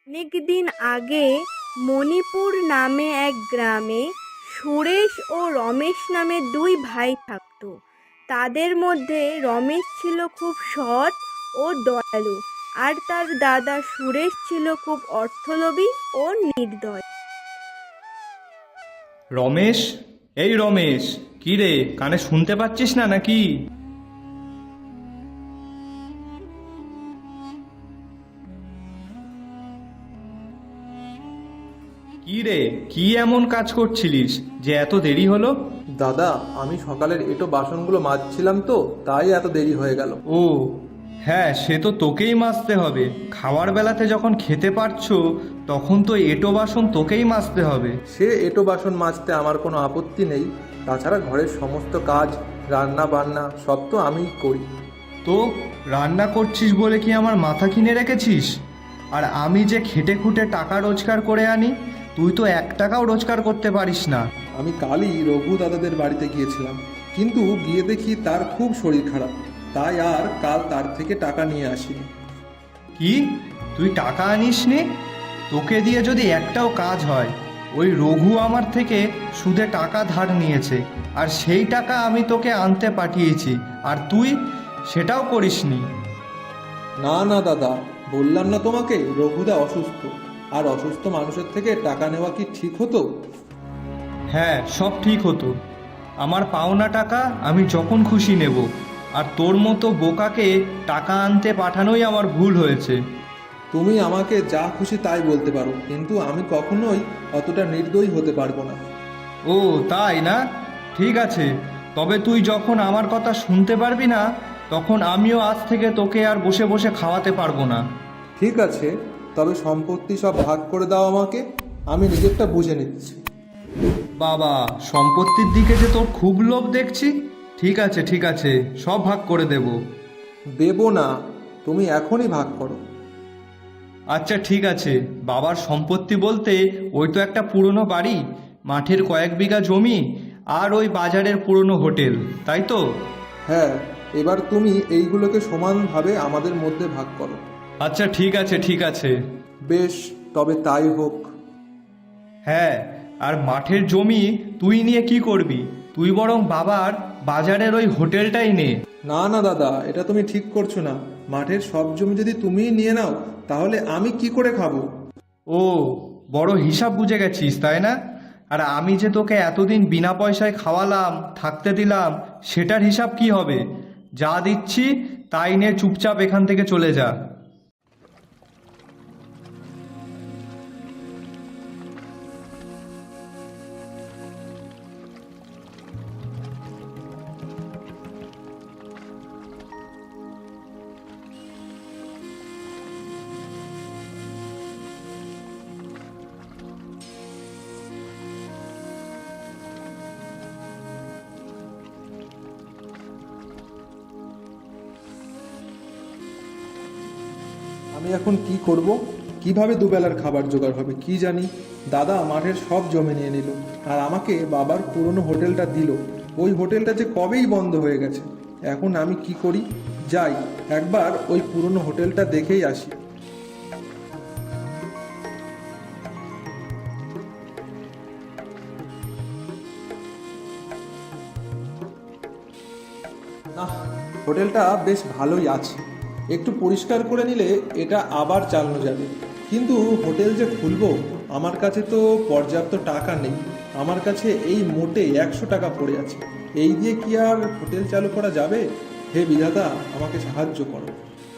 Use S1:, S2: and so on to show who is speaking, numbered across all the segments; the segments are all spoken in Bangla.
S1: অনেকদিন আগে মণিপুর নামে এক গ্রামে সুরেশ ও রমেশ নামে দুই ভাই থাকতো। তাদের মধ্যে রমেশ ছিল খুব সৎ ও দয়ালু, আর তার দাদা সুরেশ ছিল খুব অর্থলোভী ও নির্দয়।
S2: রমেশ, এই রমেশ, কি রে, কানে শুনতে পাচ্ছিস না নাকি? কি রে, কি এমন কাজ করছিলিস যে এত দেরি হলো?
S3: দাদা, আমি সকালের এঁটো বাসনগুলো মাজছিলাম তো, তাই এত দেরি হয়ে গেল।
S2: ও হ্যাঁ, সে তো তোকেই মাজতে হবে। খাওয়ার বেলাতে যখন খেতে পারছো তখন তো এঁটো বাসন তোকেই মাজতে হবে।
S3: সে এঁটো বাসন মাজতে আমার কোনো আপত্তি নেই। তাছাড়া ঘরের সমস্ত কাজ, রান্না বান্না সব তো আমিই করি।
S2: তো রান্না করছিস বলে কি আমার মাথা কিনে রেখেছিস? আর আমি যে খেটে খুঁটে টাকা রোজগার করে আনি, তুই তো 1 টাকাও রোজগার করতে পারিস না।
S3: আমি কালই রঘু দাদাদের বাড়িতে গিয়েছিলাম, কিন্তু গিয়ে দেখি তার খুব শরীর খারাপ, তাই আর কাল তার থেকে টাকা নিয়ে আসিনি।
S2: কি, তুই টাকা আনিসনি? তোকে দিয়ে যদি একটাও কাজ হয়? ওই রঘু আমার থেকে সুদে টাকা ধার নিয়েছে, আর সেই টাকা আমি তোকে আনতে পাঠিয়েছি, আর তুই সেটাও করিসনি।
S3: না না দাদা, বললাম না তোমাকে রঘুদা অসুস্থ, আর অসুস্থ মানুষের থেকে টাকা নেওয়া কি ঠিক হতো?
S2: হ্যাঁ, সব ঠিক হতো। আমার পাওনা টাকা আমি যখন খুশি নেব, আর তোর মতো বোকাকে টাকা আনতে পাঠানোই আমার ভুল হয়েছে।
S3: তুমি আমাকে যা খুশি তাই বলতে পারো, কিন্তু আমি কখনোই অতটা নির্দয়ী হতে পারবো না।
S2: ও তাই না? ঠিক আছে, তবে তুই যখন আমার কথা শুনতে পারবি না, তখন আমিও আজ থেকে তোকে আর বসে বসে খাওয়াতে পারবো না।
S3: ঠিক আছে, তবে সম্পত্তি সব ভাগ করে দাও আমাকে, আমি নিজেরটা বুঝে নিচ্ছি।
S2: বাবা, সম্পত্তির দিকে যে তোর খুব লোভ দেখছি। ঠিক আছে ঠিক আছে, সব ভাগ করে দেব।
S3: দেবো না, তুমি এখনই ভাগ করো।
S2: আচ্ছা ঠিক আছে, বাবার সম্পত্তি বলতে ওই তো একটা পুরনো বাড়ি, মাঠের কয়েক বিঘা জমি, আর ওই বাজারের পুরনো হোটেল, তাই তো?
S3: হ্যাঁ, এবার তুমি এইগুলোকে সমানভাবে আমাদের মধ্যে ভাগ করো।
S2: আচ্ছা ঠিক আছে ঠিক আছে।
S3: বেশ, তবে তাই হোক।
S2: হ্যাঁ, আর মাঠের জমি তুই নিয়ে কি করবি? তুই বরং বাবার বাজারের ওই হোটেলটাই নে।
S3: না না দাদা, এটা তুমি ঠিক করছো না। মাঠের সব জমি যদি তুমিই নিয়ে নাও, তাহলে আমি কি করে খাবো?
S2: ও, বড় হিসাব বুঝে গেছিস তাই না? আর আমি যে তোকে এতদিন বিনা পয়সায় খাওয়ালাম, থাকতে দিলাম, সেটার হিসাব কি হবে? যা দিচ্ছি তাই নে, চুপচাপ এখান থেকে চলে যা।
S3: আমি এখন কি করব? কিভাবে দুবেলার খাবার জোগাড় হবে কি জানি। দাদা মাঠের সব জমি নিয়ে নিল, আর আমাকে বাবার পুরনো হোটেলটা দিল। ওই হোটেলটা যে কবেই বন্ধ হয়ে গেছে। এখন আমি কি করি? যাই, একবার ওই পুরনো হোটেলটা দেখেই আসি। না, হোটেলটা বেশ ভালোই আছে। একটু পরিষ্কার করে নিলে এটা আবার চালানো যাবে। কিন্তু হোটেল যে খুলবো, আমার কাছে তো পর্যাপ্ত টাকা নেই। আমার কাছে এই মোটে 100 টাকা পড়ে আছে। এই দিয়ে কি আর হোটেল চালু করা যাবে? হে বিধাতা, আমাকে সাহায্য করো।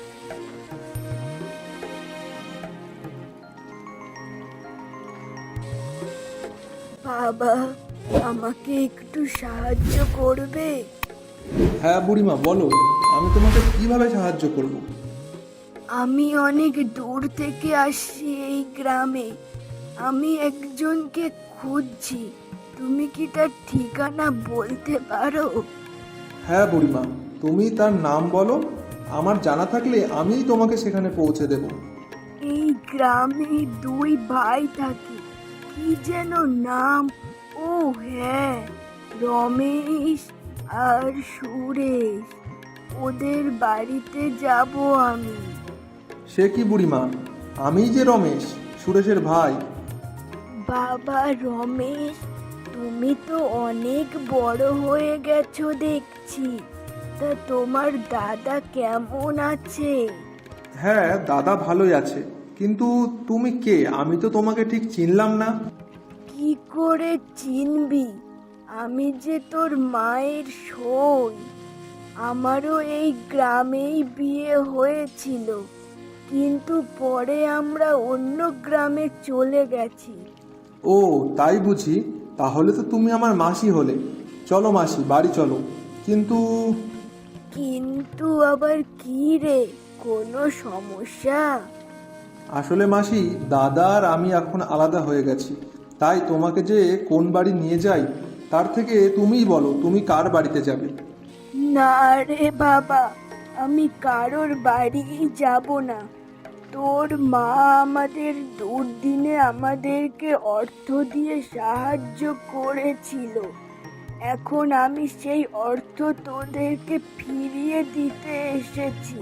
S1: বাবা, আমাকে একটু সাহায্য করবে?
S3: হ্যাঁ বুড়িমা, বলো, আমি তোমাকে কিভাবে সাহায্য করব?
S1: আমি অনেক দূর থেকে আসছি এই গ্রামে। আমি একজনকে খুঁজছি। তুমি কি তার ঠিকানা বলতে পারো?
S3: হ্যাঁ বুড়িমা, তুমি তার নাম বলো। আমার জানা থাকলে আমিই তোমাকে সেখানে পৌঁছে দেব।
S1: এই গ্রামে দুই ভাই থাকে, কি যেন নাম? ও হ্যাঁ, রমেশ আর সুরেশ। ওদের বাড়িতে যাব আমি।
S3: সে কি বুড়িমা, আমিই যে রমেশ, সুরেশের ভাই।
S1: বাবা রমেশ, তুমি তো অনেক বড় হয়ে গেছো দেখছি। তা তোমার দাদা কেমন আছে?
S3: হ্যাঁ, দাদা ভালোই আছে, কিন্তু তুমি কে? আমি তো তোমাকে ঠিক চিনলাম না।
S1: কি করে চিনবি? আমি যে তোর মায়ের সই। আমারও এই গ্রামেই বিয়ে হয়েছিল, কিন্তু পরে আমরা অন্য গ্রামে চলে গেছি।
S3: ও, তাই বুঝি। তাহলে তো তুমি আমার মাসি হলে। চলো মাসি, বাড়ি চলো। কিন্তু
S1: কিন্তু আবার কি রে, কোনো সমস্যা?
S3: আসলে মাসি, দাদা আর আমি এখন আলাদা হয়ে গেছি। তাই তোমাকে যে কোন বাড়ি নিয়ে যাই, তার থেকে তুমিই বলো তুমি কার বাড়িতে যাবে।
S1: না রে বাবা, আমি কারোর বাড়ি যাব না। তোর মা আমাদের দুর্দিনে আমাদেরকে অর্থ দিয়ে সাহায্য করেছিল। এখন আমি সেই অর্থ তোদেরকে ফিরিয়ে দিতে এসেছি।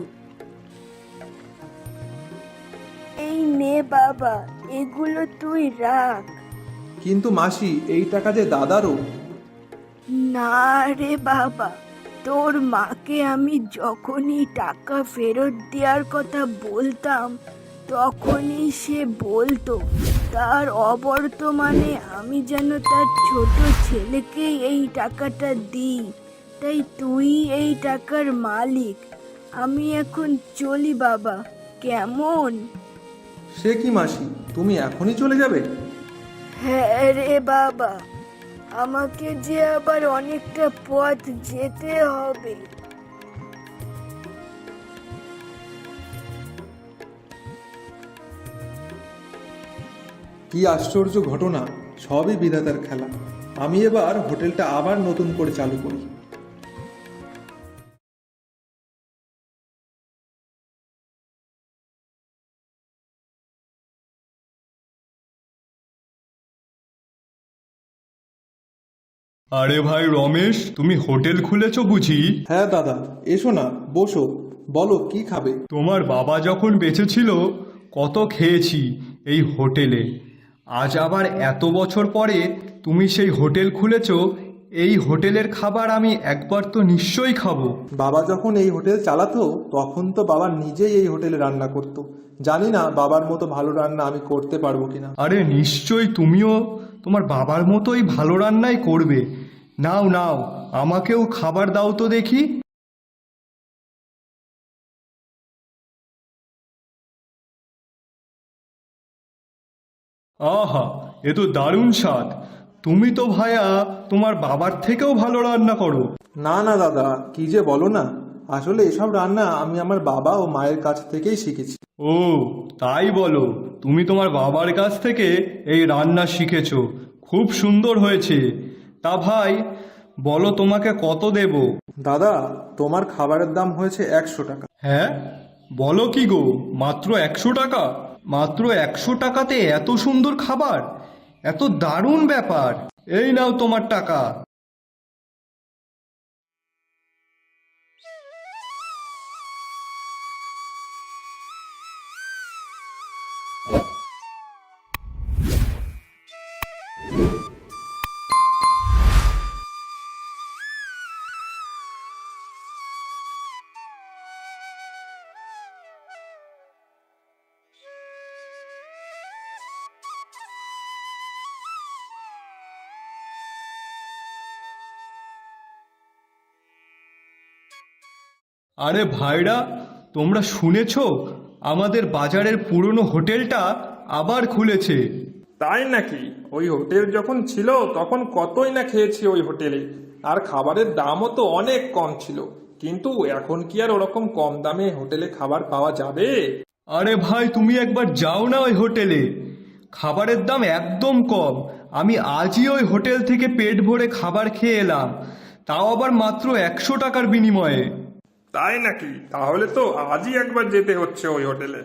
S1: এই নে বাবা, এগুলো তুই রাখ।
S3: কিন্তু মাসি, এই টাকা যে দাদারও।
S1: না রে বাবা, তোর মাকে আমি যখনই টাকা ফেরত দেওয়ার কথা বলতাম, তখনই সে বলতো তার অবর্তমানে আমি যেন তার ছোট ছেলেকে এই টাকাটা দিই। তাই তুই এই টাকার মালিক। আমি এখন চলি বাবা, কেমন?
S3: সে কি মাসি, তুমি এখনই চলে যাবে?
S1: হ্যাঁ রে বাবা, আমাকে যে আবার অনেকটা পথ যেতে হবে।
S3: কি আশ্চর্য ঘটনা! সবই বিধাতার খেলা। আমি এবার হোটেলটা আবার নতুন করে চালু করি।
S2: আরে ভাই রমেশ, তুমি হোটেল খুলেছো বুঝি?
S3: হ্যাঁ দাদা, এসো না, বসো। বলো কি খাবে?
S2: তোমার বাবা যখন বেঁচে ছিল কত খেয়েছি এই হোটেলে। আজ আবার এত বছর পরে তুমি সেই হোটেল খুলেছো, এই হোটেলের খাবার আমি একবার তো নিশ্চয়ই খাবো।
S3: বাবা যখন এই হোটেল চালাতো, তখন তো বাবা নিজেই এই হোটেলে রান্না করতো। জানি না বাবার মতো ভালো রান্না আমি করতে পারবো কিনা।
S2: আরে নিশ্চয়ই তুমিও তোমার বাবার মতোই ভালো রান্নাই করবে। নাও নাও, আমাকেও খাবার দাও তো দেখি। আহা, এ তো দারুণ স্বাদ। তুমি তো ভায়া তোমার বাবার থেকেও ভালো রান্না করো।
S3: না না দাদা, কি যে বলো না। আসলে এসব রান্না আমি আমার বাবা ও মায়ের কাছ থেকেই শিখেছি।
S2: ও, তাই বলো? তুমি তোমার বাবার কাছ থেকে এই রান্না শিখেছো? খুব সুন্দর হয়েছে। তা ভাই বলো, তোমাকে কত দেব?
S3: দাদা, তোমার খাবারের দাম হয়েছে 100 টাকা।
S2: হ্যাঁ, বলো কি গো, মাত্র 100 টাকা? মাত্র 100 টাকাতে এত সুন্দর খাবার? এত দারুণ ব্যাপার। এই নাও তোমার টাকা। আরে ভাইরা, তোমরা শুনেছো? আমাদের বাজারের পুরনো হোটেলটা আবার খুলেছে।
S4: তাই নাকি? ওই হোটেল যখন ছিল তখন কতই না খেয়েছি ওই হোটেলে, আর খাবারের দামও তো অনেক কম ছিল। কিন্তু এখন কি আর ওরকম কম দামে হোটেলে খাবার পাওয়া যাবে?
S2: আরে ভাই, তুমি একবার যাও না ওই হোটেলে। খাবারের দাম একদম কম। আমি আজই ওই হোটেল থেকে পেট ভরে খাবার খেয়ে এলাম, তাও আবার মাত্র 100 টাকার বিনিময়ে।
S4: তাই নাকি? তাহলে তো আজই একবার যেতে হচ্ছে ওই হোটেলে।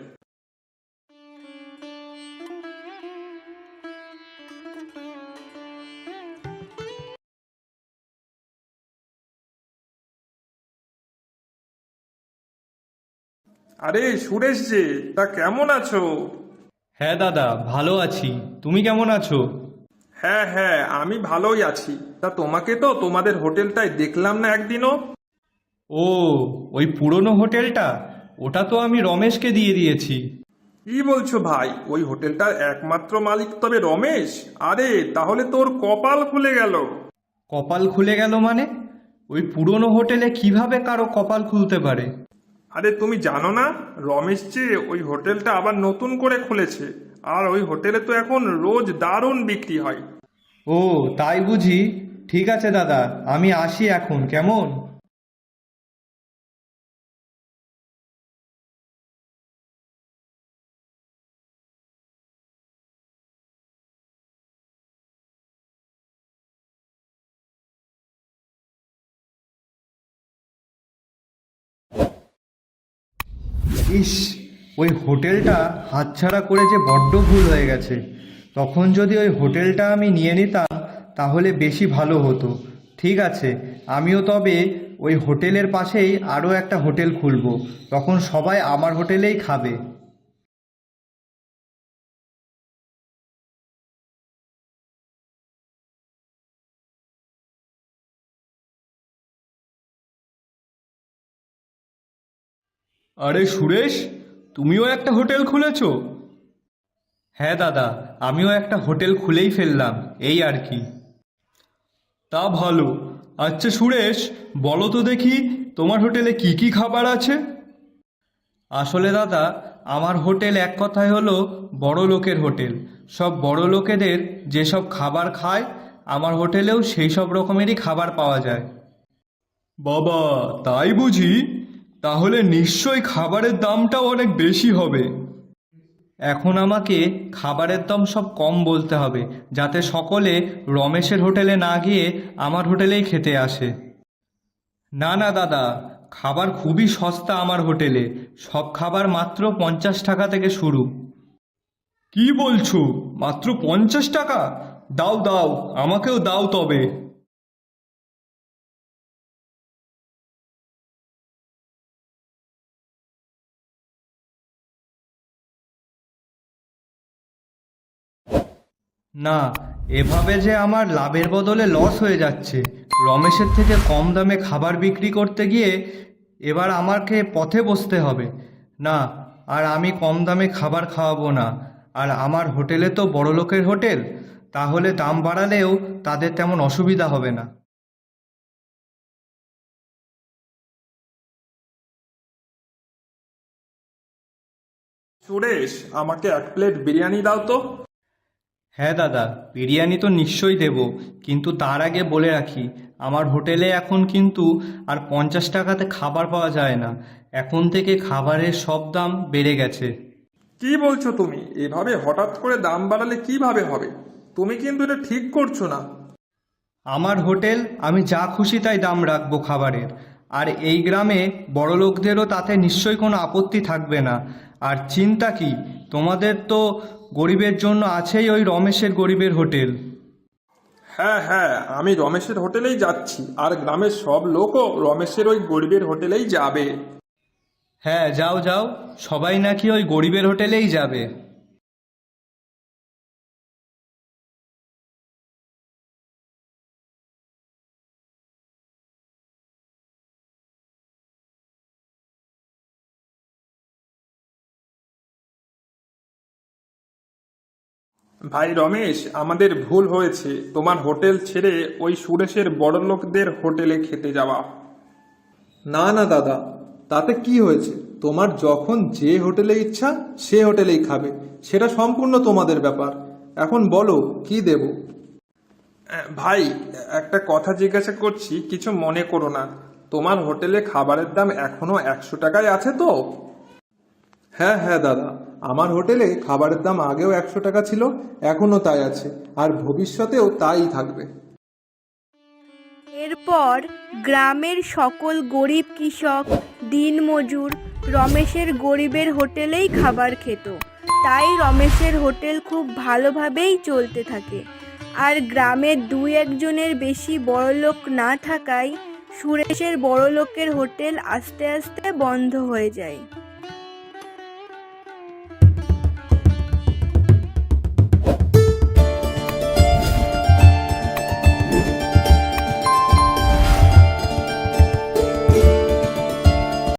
S4: আরে সুরেশ যে, তা কেমন আছো?
S2: হ্যাঁ দাদা, ভালো আছি। তুমি কেমন আছো?
S4: হ্যাঁ হ্যাঁ, আমি ভালোই আছি। তা তোমাকে তো তোমাদের হোটেলটায় দেখলাম না একদিনও।
S2: ও, ওই পুরনো হোটেলটা? ওটা তো আমি রমেশকে দিয়ে দিয়েছি।
S4: কি বলছো ভাই, ওই হোটেলটার একমাত্র মালিক তবে রমেশ? আরে তাহলে তোর কপাল খুলে গেল।
S2: কপাল খুলে গেল মানে? ওই পুরনো হোটেলে কিভাবে কারো কপাল খুলতে পারে?
S4: আরে তুমি জানো না, রমেশ যে ওই হোটেলটা আবার নতুন করে খুলেছে। আর ওই হোটেলে তো এখন রোজ দারুণ বিক্রি হয়।
S2: ও, তাই বুঝি? ঠিক আছে দাদা, আমি আসি এখন, কেমন? ইস, ওই হোটেলটা হাতছাড়া করে যে বড্ড ভুল হয়ে গেছে। তখন যদি ওই হোটেলটা আমি নিয়ে নিতাম তাহলে বেশি ভালো হতো। ঠিক আছে, আমিও তবে ওই হোটেলের পাশেই আরও একটা হোটেল খুলব। তখন সবাই আমার হোটেলেই খাবে। আরে সুরেশ, তুমিও একটা হোটেল খুলেছো? হ্যাঁ দাদা, আমিও একটা হোটেল খুলেই ফেললাম, এই আর কি। তা ভালো। আচ্ছা সুরেশ, বলো তো দেখি, তোমার হোটেলে কি কি খাবার আছে? আসলে দাদা, আমার হোটেল এক কথায় হলো বড় লোকের হোটেল। সব বড় লোকেদের যেসব খাবার খায়, আমার হোটেলেও সেই সব রকমেরই খাবার পাওয়া যায়। বাবা, তাই বুঝি? তাহলে নিশ্চয়ই খাবারের দামটাও অনেক বেশি হবে। এখন আমাকে খাবারের দাম সব কম বলতে হবে, যাতে সকলে রমেশের হোটেলে না গিয়ে আমার হোটেলেই খেতে আসে। না না দাদা, খাবার খুবই সস্তা আমার হোটেলে। সব খাবার মাত্র 50 টাকা থেকে শুরু। কি বলছো? মাত্র 50 টাকা? দাও দাও, আমাকেও দাও তবে। না, এভাবে যে আমার লাভের বদলে লস হয়ে যাচ্ছে। রমেশের থেকে কম দামে খাবার বিক্রি করতে গিয়ে এবার আমাকে পথে বসতে হবে। না, আর আমি কম দামে খাবার খাওয়াবো না। আর আমার হোটেলে তো বড়লোকের হোটেল, তাহলে দাম বাড়ালেও তাদের তেমন অসুবিধা হবে না।
S4: সুরেশ, আমাকে 1 প্লেট বিরিয়ানি দাও তো।
S2: হ্যাঁ দাদা, বিরিয়ানি তো নিশ্চয়ই দেব, কিন্তু তার আগে বলে রাখি, আমার হোটেলে এখন কিন্তু আর 50 টাকাতে খাবার পাওয়া যায় না। এখন থেকে খাবারের সব দাম বেড়ে গেছে।
S4: কি বলছো তুমি? এভাবে হঠাৎ করে দাম বাড়ালে কিভাবে হবে? তুমি কিন্তু এটা ঠিক করছো না।
S2: আমার হোটেল, আমি যা খুশি তাই দাম রাখবো খাবারের। আর এই গ্রামে বড়লোকদেরও তাতে নিশ্চয়ই কোনো আপত্তি থাকবে না। আর চিন্তা কি, তোমাদের তো গরিবের জন্য আছেই ওই রমেশের গরিবের হোটেল।
S4: হ্যাঁ হ্যাঁ, আমি রমেশের হোটেলেই যাচ্ছি, আর গ্রামের সব লোকও রমেশের ওই গরিবের হোটেলেই যাবে।
S2: হ্যাঁ, যাও যাও, সবাই নাকি ওই গরিবের হোটেলেই যাবে।
S4: ভাই রমেশ, আমাদের ভুল হয়েছে তোমার হোটেল ছেড়ে ওই সুরেশের বড়লোকদের হোটেলে খেতে যাওয়া।
S3: না না দাদা, তাতে কি হয়েছে? তোমার যখন যে হোটেলে ইচ্ছা সে হোটেলেই খাবে, সেটা সম্পূর্ণ তোমাদের ব্যাপার। এখন বলো কি দেব?
S4: ভাই, একটা কথা জিজ্ঞাসা করছি, কিছু মনে করো না। তোমার হোটেলে খাবারের দাম এখনো 100 টাকায় আছে তো?
S3: হ্যাঁ হ্যাঁ দাদা, আমার হোটেলে খাবারের দাম আগেও 100 টাকা ছিল, এখনো তাই আছে, আর ভবিষ্যতেও তাই থাকবে।
S1: এরপর গ্রামের সকল গরিব কৃষক, দিনমজুর রমেশের গরিবের হোটেলেই খাবার খেত। তাই রমেশের হোটেল খুব ভালোভাবেই চলতে থাকে। আর গ্রামের 2-1জনের বেশি বড়লোক না থাকায় সুরেশের বড়লোকের হোটেল আস্তে আস্তে বন্ধ হয়ে যায়।